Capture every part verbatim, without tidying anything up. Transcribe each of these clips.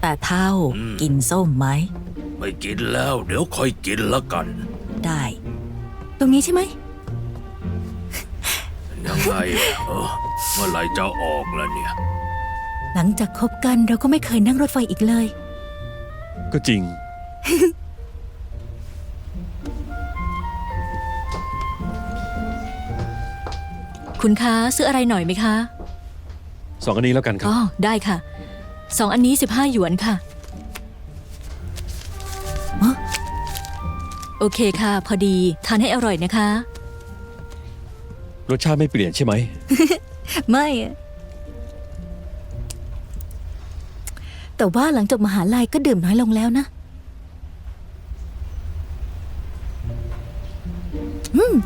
แต่เท่ากินส้มไหมไม่กินแล้วเดี๋ยวค่อยกินละกันได้ตรงนี้ใช่ไหมยังไงเออเมื่อไหร่จะออกล่ะเนี่ยหลังจากคบกันเราก็ไม่เคยนั่งรถไฟอีกเลยก็จริงคุณคะซื้ออะไรหน่อยไหมคะสองอันนี้แล้วกันครับอ๋อได้ค่ะสองอันนี้สิบห้าหยวนค่ะโอเคค่ะพอดีทานให้อร่อยนะคะรสชาติไม่เปลี่ยนใช่ไหมไม่แต่ว่าหลังจบมหาลัยก็ดื่มน้อยลงแล้วนะอืม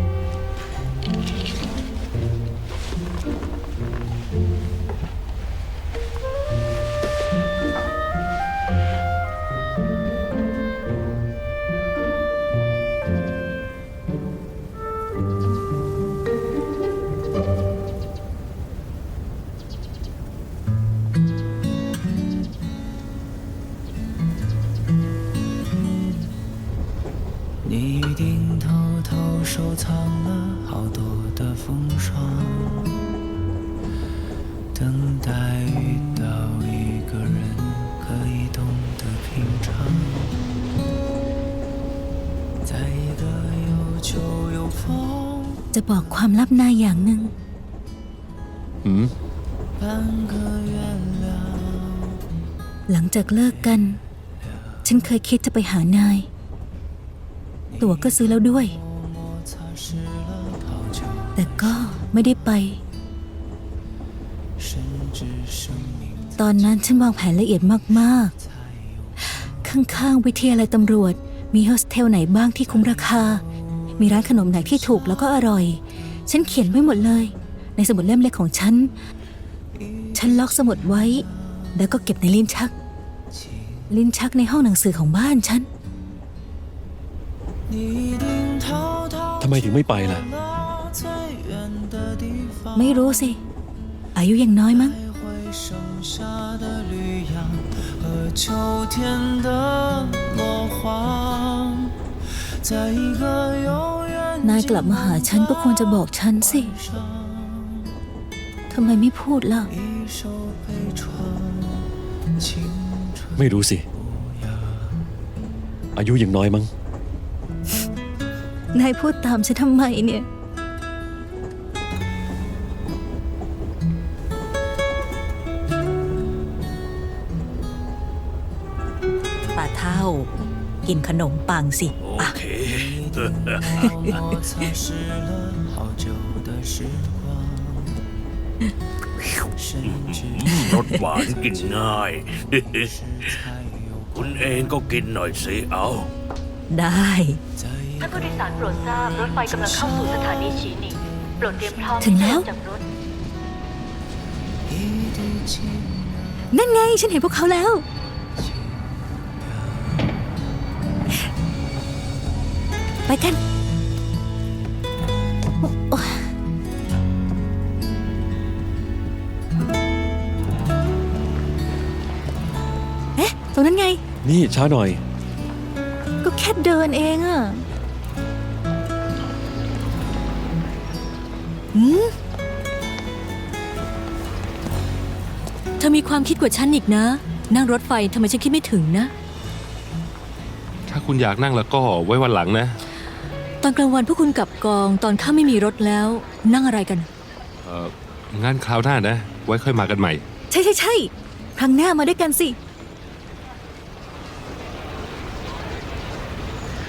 你一定偷偷收藏了好多的风霜，等待遇到一个人可以懂得品尝，在一个有秋有风จะบอกความลับนายอย่างหนึ่งหืม半个月亮หลังจากเลิกกันฉันเคยคิดจะไปหานายตั๋วก็ซื้อแล้วด้วยแต่ก็ไม่ได้ไปตอนนั้นฉันวางแผนละเอียดมากๆข้างๆวิทยาลัยตำรวจมีโฮสเทลไหนบ้างที่คุ้มราคามีร้านขนมไหนที่ถูกแล้วก็อร่อยฉันเขียนไว้หมดเลยในสมุดเล่มเล็กของฉันฉันล็อกสมุดไว้แล้วก็เก็บในลิ้นชักลิ้นชักในห้องหนังสือของบ้านฉันทำไมถึงไม่ไปล่ะไม่รู้สิอายุยังน้อยมั้งนายกลับมาหาฉันก็ควรจะบอกฉันสิทำไมไม่พูดล่ะไม่รู้สิอายุยังน้อยมั้งนายพูดตามฉันทำไมเนี่ยป้าเท่ากินขนมปังสิโอเครสหวานกินง่ายคุณเองก็กินหน่อยสิเอาได้ท่านผู้โดยสารโปรดทราบรถไฟกำลังเข้าสู่สถานีฉีหนิงโปรดเตรียมพร้อมถึงแล้วจากรถนั่นไงฉันเห็นพวกเขาแล้วไปกันเอ๊ะตรงนั้นไงนี่ช้าหน่อยก็แค่เดินเองอะหืมเธอมีความคิดกว่าฉันอีกนะนั่งรถไฟทำไมฉันคิดไม่ถึงนะถ้าคุณอยากนั่งแล้วก็ไว้วันหลังนะตอนกลางวันพวกคุณกลับกองตอนข้าไม่มีรถแล้วนั่งอะไรกันเอองั้นคราวหน้านะไว้ค่อยมากันใหม่ใช่ใช่ใช่ครั้งหน้ามาด้วยกันสิ